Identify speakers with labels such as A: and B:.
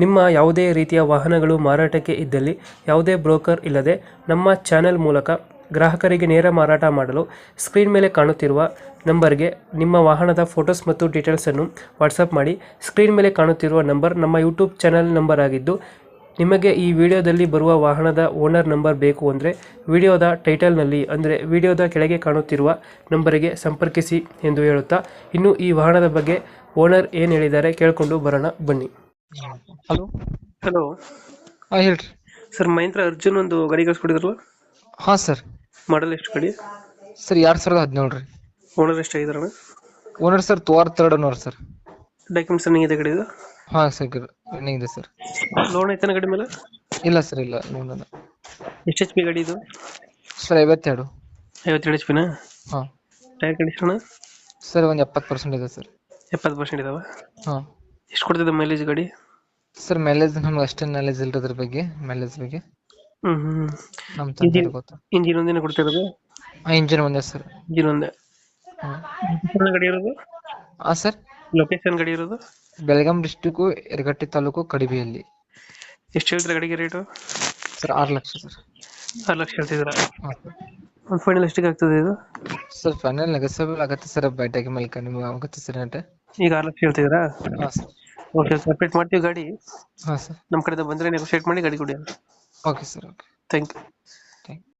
A: ನಿಮ್ಮ ಯಾವುದೇ ರೀತಿಯ ವಾಹನಗಳು ಮಾರಾಟಕ್ಕೆ ಇದ್ದಲ್ಲಿ ಯಾವುದೇ ಬ್ರೋಕರ್ ಇಲ್ಲದೆ ನಮ್ಮ ಚಾನೆಲ್ ಮೂಲಕ ಗ್ರಾಹಕರಿಗೆ ನೇರ ಮಾರಾಟ ಮಾಡಲು ಸ್ಕ್ರೀನ್ ಮೇಲೆ ಕಾಣುತ್ತಿರುವ ನಂಬರ್ಗೆ ನಿಮ್ಮ ವಾಹನದ ಫೋಟೋಸ್ ಮತ್ತು ಡೀಟೇಲ್ಸನ್ನು ವಾಟ್ಸಪ್ ಮಾಡಿ. ಸ್ಕ್ರೀನ್ ಮೇಲೆ ಕಾಣುತ್ತಿರುವ ನಂಬರ್ ನಮ್ಮ ಯೂಟ್ಯೂಬ್ ಚಾನೆಲ್ ನಂಬರ್ ಆಗಿದ್ದು, ನಿಮಗೆ ಈ ವಿಡಿಯೋದಲ್ಲಿ ಬರುವ ವಾಹನದ ಓನರ್ ನಂಬರ್ ಬೇಕು ಅಂದರೆ ವಿಡಿಯೋದ ಟೈಟಲ್ನಲ್ಲಿ ಅಂದರೆ ವಿಡಿಯೋದ ಕೆಳಗೆ ಕಾಣುತ್ತಿರುವ ನಂಬರಿಗೆ ಸಂಪರ್ಕಿಸಿ ಎಂದು ಹೇಳುತ್ತಾ, ಇನ್ನು ಈ ವಾಹನದ ಬಗ್ಗೆ ಓನರ್ ಏನು ಹೇಳಿದ್ದಾರೆ ಕೇಳಿಕೊಂಡು ಬರೋಣ ಬನ್ನಿ.
B: ಹಲೋ.
A: ಹಲೋ
B: ಹೇಳ್ರಿ
A: ಸರ್, ಮಹೇಂದ್ರ ಅರ್ಜುನ್ ಒಂದು ಗಾಡಿ ಕಳಿಸ್ಕೊಡಿದ್ರಲ್ಲ,
B: ಹಾಂ ಸರ್.
A: ಮಾಡಲ್ ಎಷ್ಟು ಗಾಡಿ?
B: ಸರ್ 2017 ರೀ.
A: ಓನರ್ ಎಷ್ಟಾಗಿದಾರಣ?
B: Owner sir third owner sir.
A: Documents running ಇದೆ ಗಾಡಿದು?
B: ಹಾಂ ಸರ್ ರನ್ನಿಂಗ್ ಇದೆ ಸರ್.
A: ಲೋನ್ ಐತನ ಗಾಡಿ ಮೇಲೆ?
B: ಇಲ್ಲ ಸರ್, ಇಲ್ಲ ನೋಡೋಣ.
A: ಎಷ್ಟು ಎಚ್ ಪಿ ಗಾಡಿ ಇದು?
B: ಸರ್ 52.
A: 52 ಎಚ್ ಪಿನ?
B: ಹಾಂ
A: ಟೈರ್ ಕಂಡೀಷನ್
B: ಸರ್ ಒಂದು 70% ಇದೆ ಸರ್.
A: 70% ಇದಾವ?
B: ಹಾಂ.
A: ಎಷ್ಟು ಕೊಡ್ತಿದೆ ಮೈಲೇಜ್ ಗಾಡಿ?
B: ಸರ್ ಮೈಲೇಜ್ ನಮ್ಗೆ ಅಷ್ಟೇ ನಾಲೆಜ್ ಇಲ್ಲ ಅದ್ರ ಬಗ್ಗೆ, ಮೈಲೇಜ್ ಬಗ್ಗೆ ನಮ್ಮ ತಂದೆ ಗೊತ್ತು.
A: ಇಂಜಿನ್ ಒಂದಿನ ಕೊಡ್ತಿರೋದು?
B: ಇಂಜಿನ್ ಒಂದೇ ಸರ್.
A: ಇಂಜಿನ್ ಒಂದೇ.
B: ಹಾಂ.
A: ಗಾಡಿ ಇರೋದು?
B: ಹಾಂ ಸರ್.
A: ಲೊಕೇಶನ್ ಗಾಡಿ ಇರೋದು?
B: ಬೆಳಗಾಂ ಡಿಸ್ಟಿಕ್ಕು ಯರಗಟ್ಟಿ ತಾಲೂಕು ಕಡಿಬಿಯಲ್ಲಿ.
A: ಎಷ್ಟು ಹೇಳ್ತೀರಾ ಗಾಡಿಗೆ rate?
B: Sir 6 lakh sir.
A: 6 lakh ಹೇಳ್ತಿದ್ದೀರಾ?
B: ಹಾಂ.
A: ಒಂದು ಫೈನಲ್ ಎಷ್ಟಿಗೆ ಆಗ್ತದೆ ಇದು?
B: ಸರ್ ಫೈನಲ್ ನೆಗೋಸಿಯಬಲ್ ಆಗುತ್ತೆ ಸರ್, ಬೈಟಾಗಿ ಮೇಲೆ ನಿಮ್ಗೆ ಆಗುತ್ತೆ ಸರ್ ರೇಟ್.
A: ಈಗ 6 ಲಕ್ಷ ಹೇಳ್ತಿದ್ದೀರಾ?
B: ಹಾಂ ಸರ್.
A: ಓಕೆ, ಅಪ್ಡೇಟ್ ಮಾಡ್ತೀವಿ ಗಾಡಿ.
B: ಹಾಂ ಸರ್.
A: ನಮ್ಮ ಕಡೆಯಿಂದ ಬಂದರೆ ನೆಗೋಷಿಯೇಟ್ ಮಾಡಿ ಗಾಡಿ ಕೊಡಿ.
B: Okay sir. Okay.
A: Thank you.
B: Thank you.